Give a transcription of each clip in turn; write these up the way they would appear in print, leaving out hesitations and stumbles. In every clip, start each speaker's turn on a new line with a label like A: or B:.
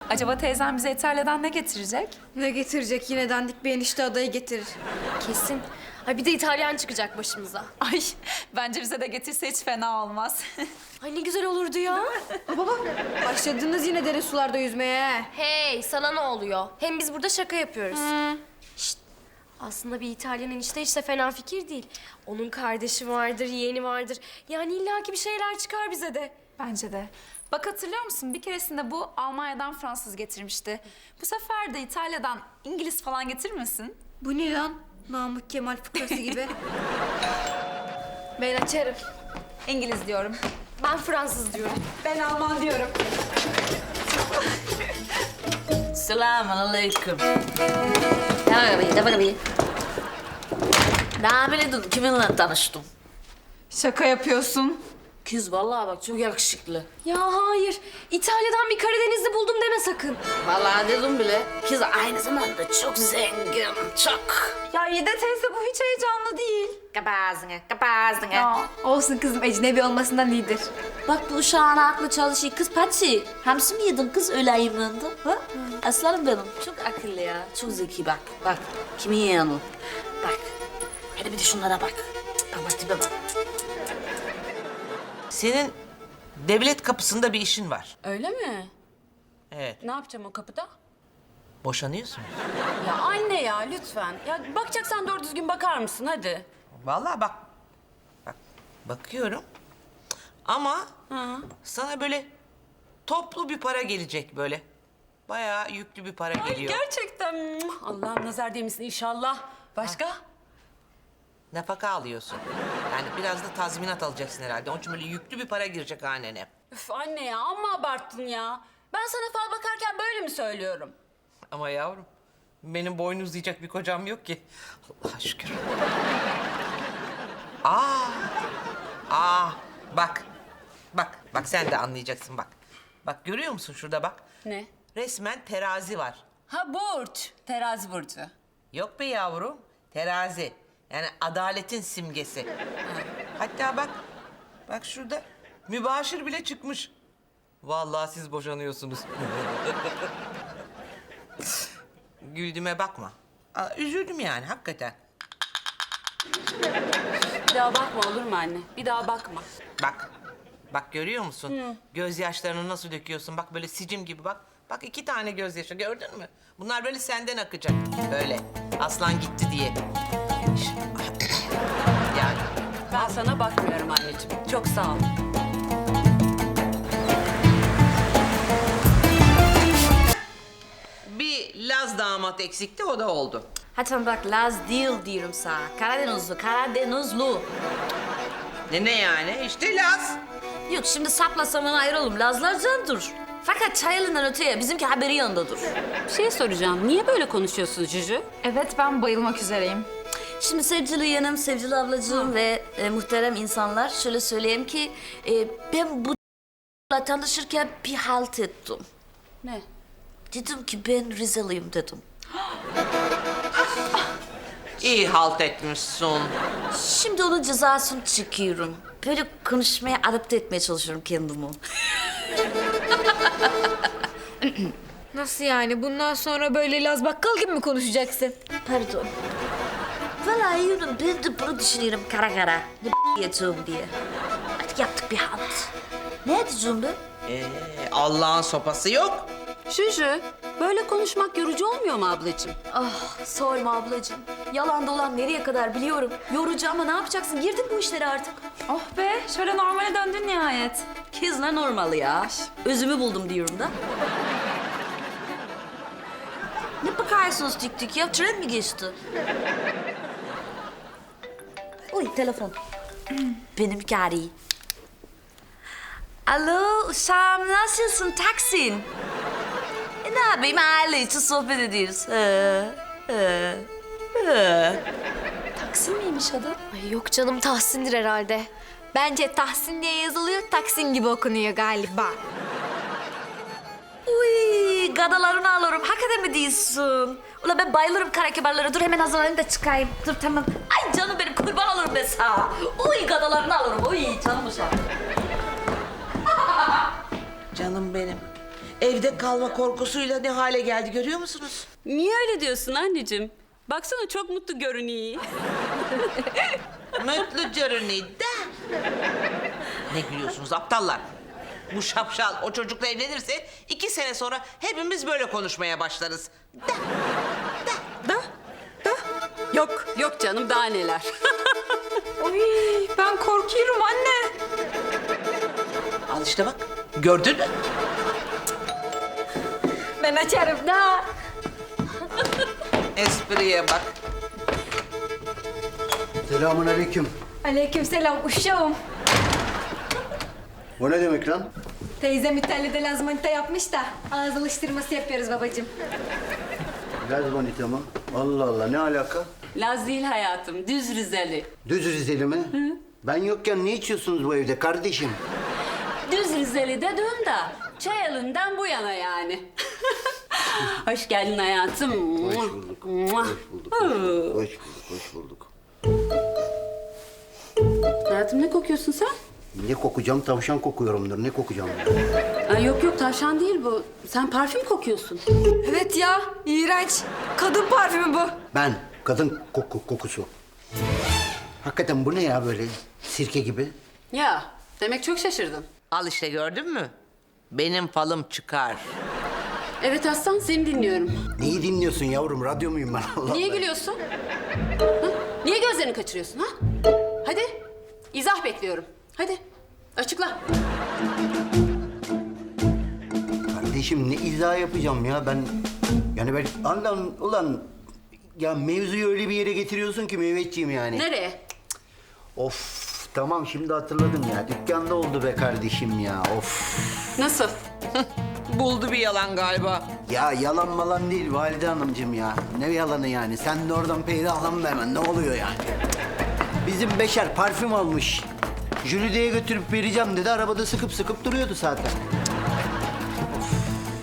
A: Acaba teyzem bize İtalya'dan ne getirecek?
B: Ne getirecek? Yine dandik bir enişte adayı getirir.
C: Kesin. Ay bir de İtalyan çıkacak başımıza.
A: Ay bence bize de getirse hiç fena olmaz.
C: Ay ne güzel olurdu ya.
B: Baba, başladınız yine dere sularda yüzmeye.
C: Hey sana ne oluyor? Hem biz burada şaka yapıyoruz. Şşt. Aslında bir İtalyan enişte hiç de fena fikir değil. Onun kardeşi vardır, yeğeni vardır. Yani illaki bir şeyler çıkar bize de.
A: Bence de. Bak hatırlıyor musun? Bir keresinde bu Almanya'dan Fransız getirmişti. Bu sefer de İtalya'dan İngiliz falan getirmesin.
B: Bu ne lan? Namık Kemal fıkrası gibi.
C: Ben açarım.
A: İngiliz diyorum.
C: Ben Fransız diyorum.
A: Ben Alman diyorum.
D: Selamun aleyküm. Ne bakayım? Namile dur, kiminle tanıştım?
A: Şaka yapıyorsun.
D: Kız vallahi bak çok yakışıklı.
C: Ya hayır. İtalya'dan bir Karadenizli buldum deme sakın.
D: Vallahi dedim bile. Kız aynı zamanda çok zengin, çok.
A: Ya Yede teyze bu hiç heyecanlı değil.
D: Kapağızına.
A: Ya.
B: Olsun kızım, ecnebi olmasından iyidir.
D: Bak bu uşağın aklı çalışıyor. Kız Patsi, hamsi mi yedin kız öyle ayımlandı? Ha? Aslanım benim. Çok akıllı ya, çok zeki bak. Bak, kimin yeğeni? Bak, hadi bir de şunlara bak. Bak tipe bak.
E: Senin devlet kapısında bir işin var.
F: Öyle mi?
E: Evet.
F: Ne yapacağım o kapıda?
E: Boşanıyorsun.
F: Ya anne ya lütfen. Ya bakacaksan doğru düzgün bakar mısın hadi.
E: Vallahi bak. Bak bakıyorum. Ama sana böyle toplu bir para gelecek böyle. Bayağı yüklü bir para geliyor.
F: Gerçekten. Allah'ım nazar değmesin inşallah. Başka?
E: Nafaka alıyorsun. Yani biraz da tazminat alacaksın herhalde. Onun için böyle yüklü bir para girecek hanene.
F: Üf anne ya amma abarttın ya. Ben sana fal bakarken böyle mi söylüyorum?
E: Ama yavrum benim boynu uzayacak bir kocam yok ki. Allah'a şükür. Bak. Bak sen de anlayacaksın bak. Bak görüyor musun şurada bak.
F: Ne?
E: Resmen terazi var.
F: Ha burç. Terazi burcu.
E: Yok be yavrum, terazi. Yani adaletin simgesi. Hatta bak şurada mübaşir bile çıkmış. Vallahi siz boşanıyorsunuz. Güldüğüme bakma. Üzüldüm yani hakikaten.
F: Bir daha bakma olur mu anne? Bir daha bakma.
E: Bak görüyor musun? Gözyaşlarını nasıl döküyorsun? Bak böyle sicim gibi bak. Bak 2 tane gözyaşı gördün mü? Bunlar böyle senden akacak. Böyle aslan gitti diye. Yani
F: Ben sana bakmıyorum anneciğim. Çok sağ ol.
E: bir Laz damat eksikti o da oldu.
D: Hadi bak Laz değil diyorum sana. Karadenizli.
E: Ne yani? İşte Laz.
D: Yok şimdi saplasam ona ayrılım. Lazlar candır. Fakat çayelinden öteye bizimki haberi yanındadır.
F: Bir şey soracağım. Niye böyle konuşuyorsun Cücü?
A: Evet ben bayılmak üzereyim.
D: Şimdi sevgili yeğenim, sevgili ablacığım ve muhterem insanlar şöyle söyleyeyim ki ben bu tanışırken bir halt ettim.
F: Ne?
D: Dedim ki ben Rizeliyim dedim.
E: İyi halt etmişsin.
D: Şimdi onun cezasını çekiyorum. Böyle konuşmaya adapte etmeye çalışıyorum kendimi.
B: Nasıl yani? Bundan sonra böyle Laz Bakkal gibi mi konuşacaksın?
D: Pardon. Vallahi yürüm ben de bunu düşünüyorum kara kara. Ne yapacağım diye. Artık yaptık bir halt. Ne edeceğim ben?
E: Allah'ın sopası yok.
F: Cücü, böyle konuşmak yorucu olmuyor mu ablacığım?
C: Ah sorma ablacığım. Yalan dolan nereye kadar biliyorum. Yorucu ama ne yapacaksın? Girdin bu işlere artık.
A: Oh be şöyle normale döndün nihayet.
D: Kız ne normal ya. Özümü buldum diyorum da. Ne bakıyorsunuz tik tik ya? Tren mi geçti? Uy telefon. Benim gari. Alo uşağım nasılsın Taksin? Ne yapayım aile için sohbet ediyoruz.
C: Taksin miymiş adı? Ay yok canım Tahsin'dir herhalde.
B: Bence Tahsin diye yazılıyor, Taksin gibi okunuyor galiba.
D: Uy gadalarını alırım. Hakikaten mi diyorsun? Ulan ben bayılırım kara kibarlara. Dur hemen hazırlanayım da çıkayım. Dur tamam. Ay canım benim kurban olurum ben sana. Uy gadalarını alırım. Uy canım uşağım.
E: Canım benim. evde kalma korkusuyla ne hale geldi görüyor musunuz?
F: Niye öyle diyorsun anneciğim? Baksana çok mutlu görünüyor.
E: Mutlu görünüyor da. Ne gülüyorsunuz aptallar? Bu şapşal o çocukla evlenirse 2 sene sonra hepimiz böyle konuşmaya başlarız.
F: Yok, yok canım daha neler.
B: Ay ben korkuyorum anne.
E: Al işte bak. Gördün mü?
B: Ben açarım da.
E: Espriye bak.
G: Selamun aleyküm.
B: Aleykümselam uşağım.
G: O ne demek lan?
B: Teyzem İtalya'da lazmanita yapmış da ağız alıştırması yapıyoruz babacığım.
G: Laz manita mı? Allah Allah, ne alaka?
F: Laz değil hayatım, düz Rizeli.
G: Düz Rizeli mi? Ben yokken ne içiyorsunuz bu evde kardeşim?
F: Düz Rizeli dedim da çay elinden bu yana yani. Hoş geldin hayatım.
G: Hoş bulduk. Hoş bulduk. Hoş bulduk. Hoş bulduk. Hoş bulduk.
F: Hayatım ne kokuyorsun sen?
G: Ne kokacağım? Tavşan kokuyorumdur. Ne kokacağım?
F: Ay yok yok tavşan değil bu. Sen parfüm kokuyorsun.
B: Evet ya iğrenç. Kadın parfümü bu.
G: Ben. Kadın kokusu. Hakikaten bu ne ya böyle? Sirke gibi.
F: Ya demek çok şaşırdın.
E: Al işte gördün mü? Benim falım çıkar.
F: Evet Aslan seni dinliyorum.
G: Neyi dinliyorsun yavrum? Radyo muyum ben? Allah
F: Niye
G: Allah.
F: gülüyorsun? Ha? Niye gözlerini kaçırıyorsun ha? Hadi izah bekliyorum. Hadi açıkla.
G: Kardeşim ne izah yapacağım ya ben... Yani ben... Ulan... Ya mevzuyu öyle bir yere getiriyorsun ki Mehmetciğim yani.
F: Nereye?
G: Of tamam şimdi hatırladım ya. Dükkanda oldu be kardeşim ya. Of.
F: Nasıl?
E: Buldu bir yalan galiba.
G: Ya yalan malan değil valide hanımcığım ya. Ne yalanı yani? Sen de oradan peydahlanma hemen. Ne oluyor yani? Bizim Beşer parfüm almış. Jülide'ye götürüp vereceğim dedi. Arabada sıkıp sıkıp duruyordu zaten. Of.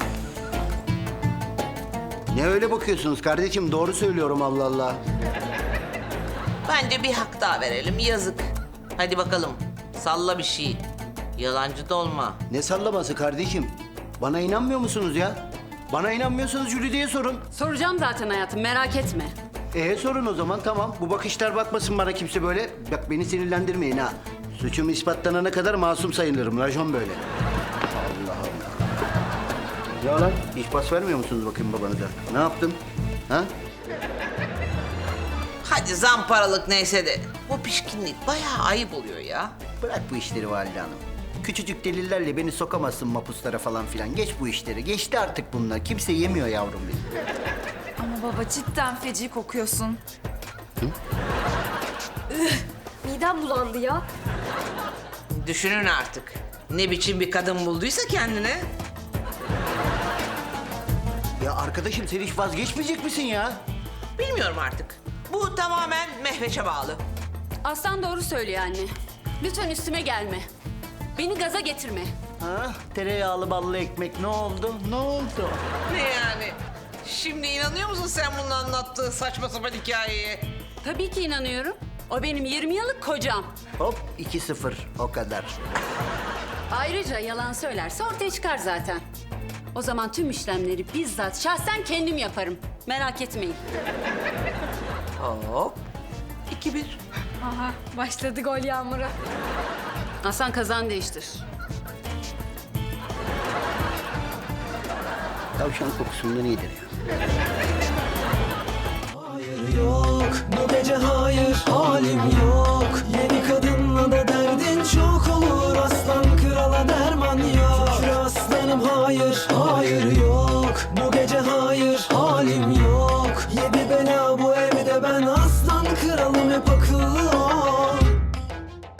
G: Ne öyle bakıyorsunuz kardeşim? Doğru söylüyorum Allah Allah.
E: Bence bir hak daha verelim yazık. Hadi bakalım salla bir şey. Yalancı da olma.
G: Ne sallaması kardeşim? Bana inanmıyor musunuz ya? Bana inanmıyorsanız Jülide'ye sorun.
F: Soracağım zaten hayatım merak etme.
G: Sorun o zaman tamam. Bu bakışlar bakmasın bana kimse böyle. Bak beni sinirlendirmeyin ha. Suçum ispatlanana kadar masum sayılırım. Rajon böyle. Allah Allah. Ya lan hiç pas vermiyor musunuz bakayım babanıza? Ne yaptım? Ha?
E: Hadi zamparalık neyse de bu pişkinlik bayağı ayıp oluyor ya.
G: Bırak bu işleri valide hanım. Küçücük delillerle beni sokamazsın mapuslara falan filan. Geç bu işleri. Geçti artık bunlar. Kimse yemiyor yavrum benim.
A: Ama baba cidden feci kokuyorsun.
C: Midem bulandı ya.
E: Düşünün artık. Ne biçim bir kadın bulduysa kendine.
G: Ya arkadaşım sen hiç vazgeçmeyecek misin ya?
E: Bilmiyorum artık. Bu tamamen Mehveş'e bağlı.
F: Aslan doğru söylüyor anne. Lütfen üstüme gelme. Beni gaza getirme.
G: Ha? Tereyağlı ballı ekmek ne oldu? Ne oldu?
E: Ne yani? Şimdi inanıyor musun sen bunun anlattığı saçma sapan hikayeye?
F: Tabii ki inanıyorum. O benim 20 yıllık kocam.
G: Hop 2-0 o kadar.
F: Ayrıca yalan söylerse ortaya çıkar zaten. O zaman tüm işlemleri bizzat şahsen kendim yaparım. Merak etmeyin.
E: Hop. 2-1.
B: Aha başladı gol yağmuru.
F: Aslan kazan değiştir.
G: Tavşan kokusundan iyidir ya.
H: Hayır yok, bu gece hayır, halim yok. Yeni kadınla da derdin çok olur. Aslan krala derman yok. Şükür aslanım hayır, hayır yok. Bu gece hayır, halim yok. 7